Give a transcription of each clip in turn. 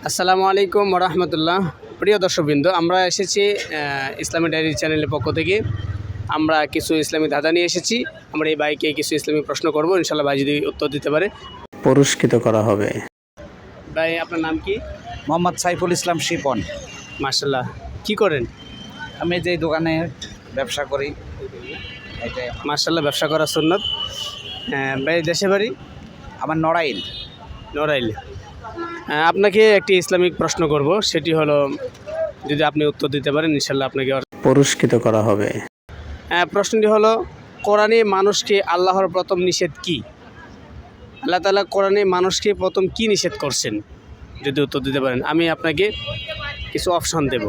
আসসালামু আলাইকুম রহমতুল্লাহ। প্রিয় দর্শকবৃন্দ, আমরা এসেছি ইসলামী ডায়েরি চ্যানেলের পক্ষ থেকে। আমরা কিছু ইসলামী ধাঁধা নিয়ে এসেছি। আমরা এই ভাইকে কিছু ইসলামী প্রশ্ন করব, ইনশাল্লাহ ভাই যদি উত্তর দিতে পারে পুরস্কৃত করা হবে। ভাই, আপনার নাম কি? মোহাম্মদ সাইফুল ইসলাম শিপন। মাশাল্লাহ। কি করেন? আমি যে দোকানে ব্যবসা করি এটাই। মাশাল্লাহ, ব্যবসা করা সুন্নত। ভাই, দেশে বাড়ি? আমার নড়াইল। নড়াইল। আপনাকে একটি ইসলামিক প্রশ্ন করব, সেটি হলো, যদি আপনি উত্তর দিতে পারেন ইনশাল্লাহ আপনাকে পুরস্কৃত করা হবে। প্রশ্নটি হলো, কোরআনে মানুষকে আল্লাহর প্রথম নিষেধ কি? আল্লাহ তাআলা কোরআনে মানুষকে প্রথম কি নিষেধ করছেন? যদি উত্তর দিতে পারেন আমি আপনাকে কিছু অপশন দেব।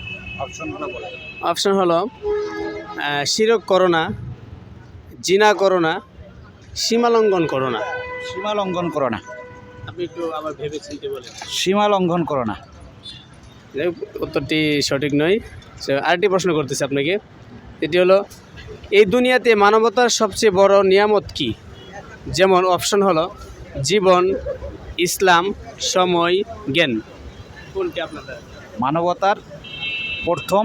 অপশন হলো শিরক করো না, জিনা করো না, সীমা লঙ্ঘন করো না। সীমা লঙ্ঘন করো না। আপনি একটু আবার ভেবে চিন্তে বলেন। সীমা লঙ্ঘন করো না। উত্তরটি সঠিক নয়। আরেকটি প্রশ্ন করতেছি আপনাকে, এটি হলো, এই দুনিয়াতে মানবতার সবচেয়ে বড় নিয়ামত কি? যেমন অপশন হলো জীবন, ইসলাম, সময়, জ্ঞান। কোনটি আপনাদের? মানবতার প্রথম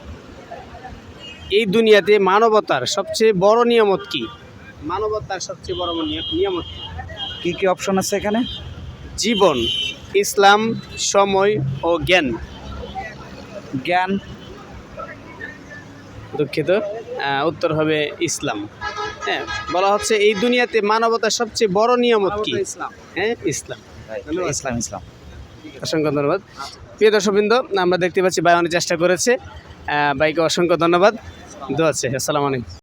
এই দুনিয়াতে মানবতার সবচেয়ে বড় নিয়ামত কি? মানবতার সবচেয়ে বড় নিয়ামত কি? কি অপশন আছে এখানে? জীবন, ইসলাম, সময় ও জ্ঞান। জ্ঞান। দুঃখিত, উত্তর হবে ইসলাম। হ্যাঁ, বলা হচ্ছে এই দুনিয়াতে মানবতার সবচেয়ে বড় নিয়ামত কি? ইসলাম। হ্যাঁ, ইসলাম। ইসলাম ইসলাম। অসংখ্য ধন্যবাদ। প্রিয় দর্শকবৃন্দ, আমরা দেখতে পাচ্ছি ভাই অনেক চেষ্টা করেছে। ভাইকে অসংখ্য ধন্যবাদ। দোয়া আছে। আসসালামু আলাইকুম।